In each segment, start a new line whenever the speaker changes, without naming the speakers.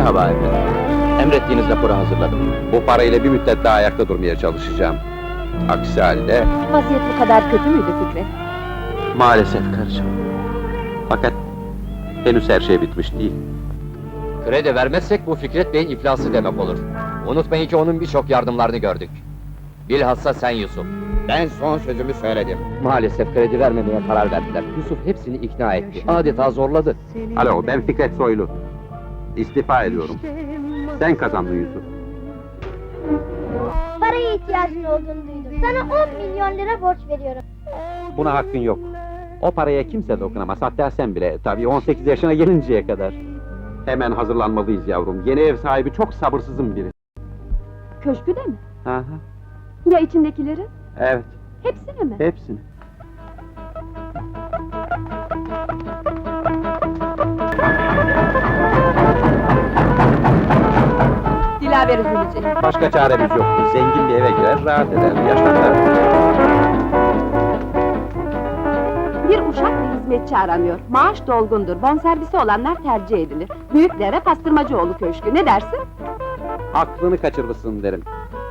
Merhaba efendim. Emrettiğiniz raporu hazırladım.
Bu parayla bir müddet daha ayakta durmaya çalışacağım. Aksi halde
Vaziyet bu kadar kötü müydü Fikret?
maalesef karıcığım. Fakat henüz her şey bitmiş değil.
Kredi vermezsek bu Fikret Bey'in iflası demek olur. Unutmayın ki onun birçok yardımlarını gördük. Bilhassa sen Yusuf.
Ben son sözümü söyledim.
Maalesef kredi vermemeye karar verdiler. Yusuf hepsini ikna etti. Adeta zorladı.
Alo, ben Fikret Soylu. İstifa ediyorum. Sen kazandın Yusuf.
Paraya ihtiyacın olduğunu duydum. Sana 10 milyon lira borç veriyorum.
Buna hakkın yok. O paraya kimse dokunamaz, hatta sen bile. Tabii 18 yaşına gelinceye kadar. Hemen hazırlanmalıyız yavrum. Yeni ev sahibi çok sabırsızım biri.
Köşkü de mi?
Aha,
Ya içindekileri?
evet,
Hepsini mi?
hepsini.
Dilaver üzülecek.
Başka çaremiz yok. Zengin bir eve girer, rahat eder, yaşlanır.
Bir uşak ve hizmetçi aranıyor. Maaş dolgundur, bonservisi olanlar tercih edilir. Büyüklere Pastırmacıoğlu Köşkü, ne dersin?
Aklını kaçırmışsın derim.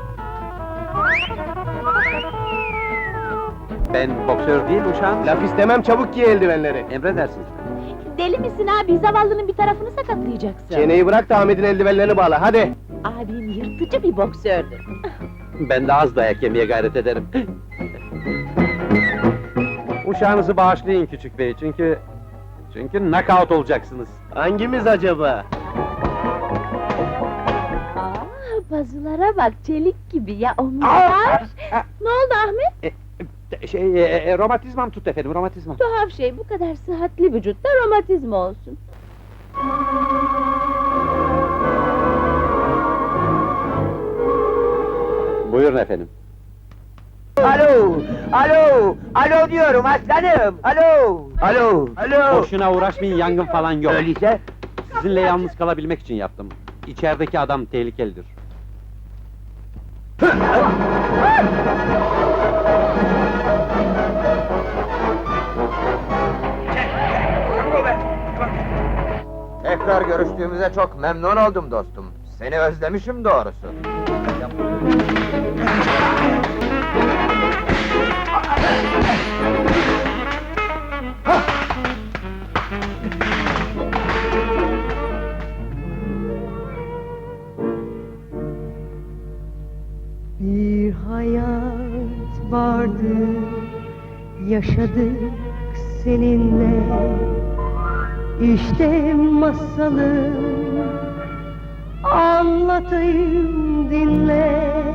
Ben boksör değil uşağım.
Laf istemem, çabuk giy eldivenleri.
Emredersiniz.
Deli misin abi, zavallının bir tarafını sakatlayacaksın.
Çeneyi bırak da Ahmet'in eldivenlerini bağla, hadi!
Abim yırtıcı bir boksördür.
Ben de az dayak yemeye gayret ederim. Uşağınızı bağışlayın küçük bey, çünkü knockout olacaksınız.
Hangimiz acaba?
Pazulara bak, çelik gibi ya omuzlar! Ne oldu Ahmet?
Romatizmam tut efendim, romatizmam.
Tuhaf şey, bu kadar sıhhatli vücutta romatizma olsun.
Buyurun efendim.
Alo, alo, alo diyorum aslanım, alo, alo, alo.
Boşuna uğraşmayın, yangın falan yok.
Öyleyse,
Sizinle yalnız kalabilmek için yaptım. İçerideki adam tehlikelidir.
Tekrar görüştüğümüze çok memnun oldum dostum. Seni özlemişim doğrusu.
Bir hayat vardı, yaşadık seninle. İşte masalım, anlatayım dinle.